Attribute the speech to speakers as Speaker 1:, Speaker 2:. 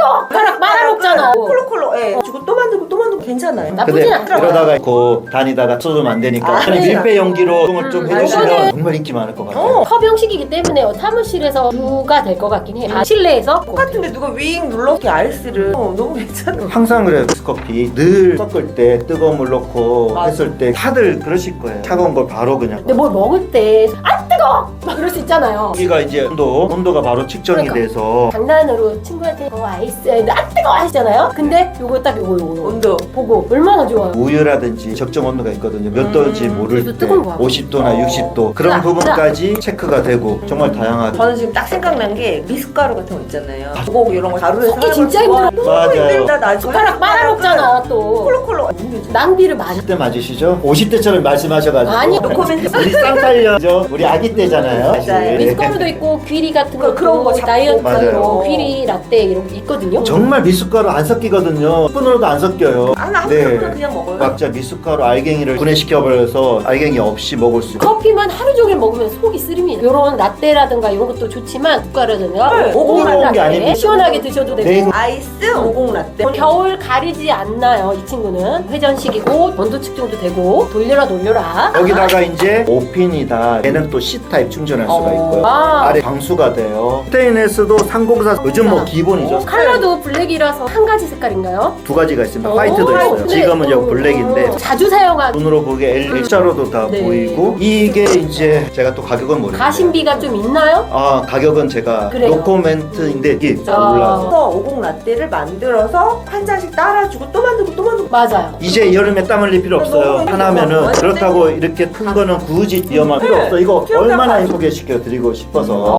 Speaker 1: 뜨거! 숟가락 빨아먹잖아.
Speaker 2: 콜록콜록. 예. 주고 또 만들고 또 만들고 괜찮아요.
Speaker 1: 나쁘진
Speaker 3: 근데
Speaker 1: 않더라고요.
Speaker 3: 이러다가 고 다니다가 쏟으면 안 되니까 그냥
Speaker 2: 그러니까.
Speaker 3: 밀폐 용기로 좀 해주시면
Speaker 1: 이거는-
Speaker 3: 정말 인기 많을 것 같아요.
Speaker 1: 컵 형식이기 때문에 사무실에서 누가 될 것 같긴 해. 다 실내에서.
Speaker 2: 똑같은데 누가 윙 눌러서 아이스를 너무 괜찮아.
Speaker 3: 항상 그래요. 커피 늘 섞을 때 뜨거운 물 넣고
Speaker 2: 맞아.
Speaker 3: 했을 때 다들 그러실 거예요. 차가운 걸 바로 그냥.
Speaker 1: 근데 뭘 먹을 때 안 뜨거! 막 이럴 수 있잖아요.
Speaker 3: 여기가 이제 온도가 바로 측정이
Speaker 1: 그러니까.
Speaker 3: 돼서
Speaker 1: 장난으로 친구한테 아이스 안 뜨거! 하시잖아요. 근데 요거 딱 요거
Speaker 2: 온도.
Speaker 1: 보고 얼마나 좋아요.
Speaker 3: 우유라든지 적정 온도가 있거든요. 몇 도인지 모를
Speaker 1: 그래도
Speaker 3: 때
Speaker 1: 뜨거운 거야.
Speaker 3: 50도나 60도 그런
Speaker 1: 자,
Speaker 3: 부분까지 체크가 되고 정말 다양하게.
Speaker 2: 저는 지금 딱 생각난 게 미숫가루 같은 거 있잖아요. 고거 이런 거 가루에서
Speaker 1: 섞기
Speaker 2: 하는
Speaker 1: 진짜
Speaker 2: 거 좋아.
Speaker 1: 힘들어.
Speaker 2: 너무
Speaker 3: 맞아요.
Speaker 2: 힘들다. 나
Speaker 1: 숟가락 빨아먹잖아 또.
Speaker 2: 콜록콜록.
Speaker 1: 낭비를 많이.
Speaker 3: 10대 맞으시죠? 50대처럼 말씀하셔가지고
Speaker 1: 아니,
Speaker 2: 노코멘트.
Speaker 3: 우리 쌍팔년죠? 우리 아기 때잖아요. 사실.
Speaker 2: 맞아요.
Speaker 1: 미숫가루도 있고 귀리 같은 거
Speaker 2: 그런 거 잡고.
Speaker 1: 다이어트
Speaker 3: 맞아요.
Speaker 1: 귀리 라떼 이런 게 있거든요.
Speaker 3: 정말 미숫가루 안 섞이거든요. 스푼으로도 안 섞여요.
Speaker 2: 나
Speaker 3: 네.
Speaker 2: 그냥 먹어요.
Speaker 3: 각자 미숫가루 알갱이를 분해시켜버려서 알갱이 없이 먹을 수 있고.
Speaker 1: 커피만 하루 종일 먹으면 속이 쓰립니다. 이런 라떼라든가 이런 것도 좋지만 숟가루라든가
Speaker 2: 네,
Speaker 1: 오공
Speaker 3: 뜨거운 게
Speaker 1: 라떼
Speaker 3: 아니고.
Speaker 1: 시원하게 드셔도 되고.
Speaker 3: 네.
Speaker 2: 아이스 50 라떼.
Speaker 1: 겨울 가리지 않나요? 이 친구는 회전식이고 온도 측정도 되고 돌려라.
Speaker 3: 여기다가 이제 5핀이다. 얘는 또 C타입 충전할 수가 있고요.
Speaker 1: 아.
Speaker 3: 아래 방수가 돼요. 스테인레스도 304 요즘 뭐 기본이죠.
Speaker 1: 컬러도 블랙이라서 한 가지 색깔인가요?
Speaker 3: 두 가지가 있습니다.
Speaker 1: 오,
Speaker 3: 화이트도 있어요.
Speaker 1: 네.
Speaker 3: 지금은 여기 블랙인데
Speaker 1: 자주 사용하는
Speaker 3: 눈으로 보기에 L자로도 다
Speaker 1: 네.
Speaker 3: 보이고 이게 이제 제가 또 가격은 모르겠어요.
Speaker 1: 가심비가 좀 있나요?
Speaker 3: 아 가격은 제가
Speaker 1: 그래요?
Speaker 3: 노코멘트인데 이게
Speaker 1: 아.
Speaker 3: 올라서
Speaker 2: 그래서 50 라떼를 만들어서 한 잔씩 따라주고 또 만들고 또 만들고.
Speaker 1: 맞아요.
Speaker 3: 이제 여름에 땀 흘릴 필요 없어요.
Speaker 2: 너무
Speaker 3: 하나면은
Speaker 2: 힘들어.
Speaker 3: 그렇다고 이렇게 큰 거는 굳이 위험할 필요
Speaker 2: 네.
Speaker 3: 없어. 이거
Speaker 2: 기억나.
Speaker 3: 얼마나 소개시켜 드리고 싶어서